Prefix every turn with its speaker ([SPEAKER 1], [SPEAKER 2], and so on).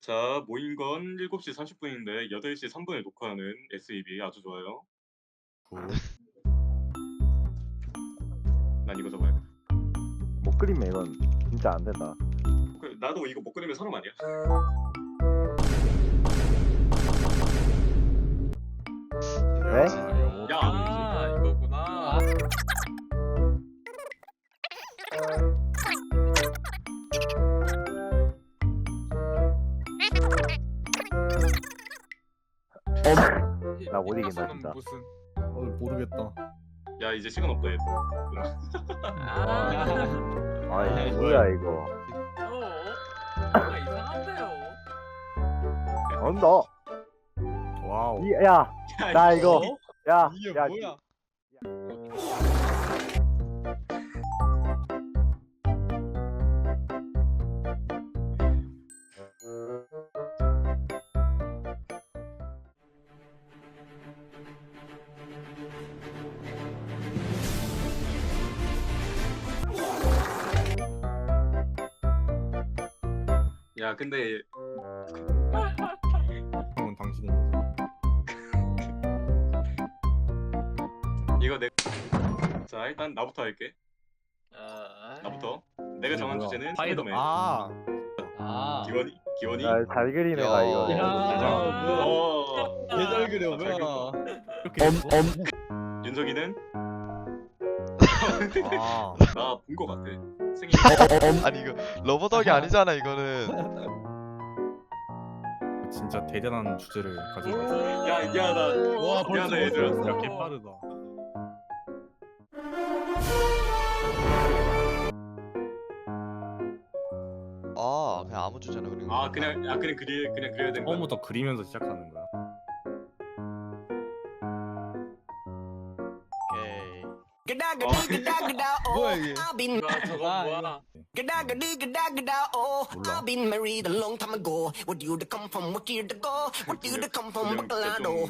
[SPEAKER 1] 자, 모인 건 7시 30분인데 8시 3분에 녹화하는 SEB 아주 좋아요.
[SPEAKER 2] 굿.
[SPEAKER 1] 난 이거 적어야 돼.
[SPEAKER 3] 못 그리면 이건 진짜 안 된다.
[SPEAKER 1] 나도 이거 못 그리면 사람 아니야?
[SPEAKER 3] 네?
[SPEAKER 1] 야,
[SPEAKER 4] 아 이거구나.
[SPEAKER 3] 나못 이긴다,
[SPEAKER 4] 피카소는
[SPEAKER 3] 진짜.
[SPEAKER 4] 무슨?
[SPEAKER 2] 모르겠다.
[SPEAKER 1] 야 이제 시간 없다 얘.
[SPEAKER 3] 아이 뭐야 이거.
[SPEAKER 4] 뭔가 이상한데요.
[SPEAKER 3] 언더.
[SPEAKER 2] 와우.
[SPEAKER 3] 야, 나 이거. 야,
[SPEAKER 2] 이게
[SPEAKER 3] 야,
[SPEAKER 2] 뭐야?
[SPEAKER 1] 야 근데
[SPEAKER 2] 그건 당신입니다.
[SPEAKER 1] 이거 자 일단 나부터 할게. 나부터. 내가 정한
[SPEAKER 2] 뭐야?
[SPEAKER 1] 주제는
[SPEAKER 2] 파이더.
[SPEAKER 1] 스파이더맨. 기원이.
[SPEAKER 3] 야, 잘 그리네 나 이거.
[SPEAKER 2] 예잘 그려
[SPEAKER 1] 잘 그렸다.
[SPEAKER 2] 뭐야? 이렇게
[SPEAKER 1] 윤석이는
[SPEAKER 2] 아.
[SPEAKER 1] 나 본 거 같아. 생일.
[SPEAKER 5] 아니 이거 러버덕이 아니잖아 이거는.
[SPEAKER 2] 진짜 대단한 주제를 가지고 있어.
[SPEAKER 1] 야, 나.
[SPEAKER 2] 와
[SPEAKER 1] 미안해, 얘들아.
[SPEAKER 2] 야 개빠르다.
[SPEAKER 5] 아 그냥 아무 주제나 그리는 거.
[SPEAKER 1] 그냥 그려야 되는 거야.
[SPEAKER 2] 처음부터 그리면서 시작하는 거야.
[SPEAKER 5] 오케이.
[SPEAKER 2] 뭐야 이게?
[SPEAKER 4] 저거 뭐야?
[SPEAKER 6] I've been married a long time ago. Where do you come from? What year to go? What do you come from? Bacolado.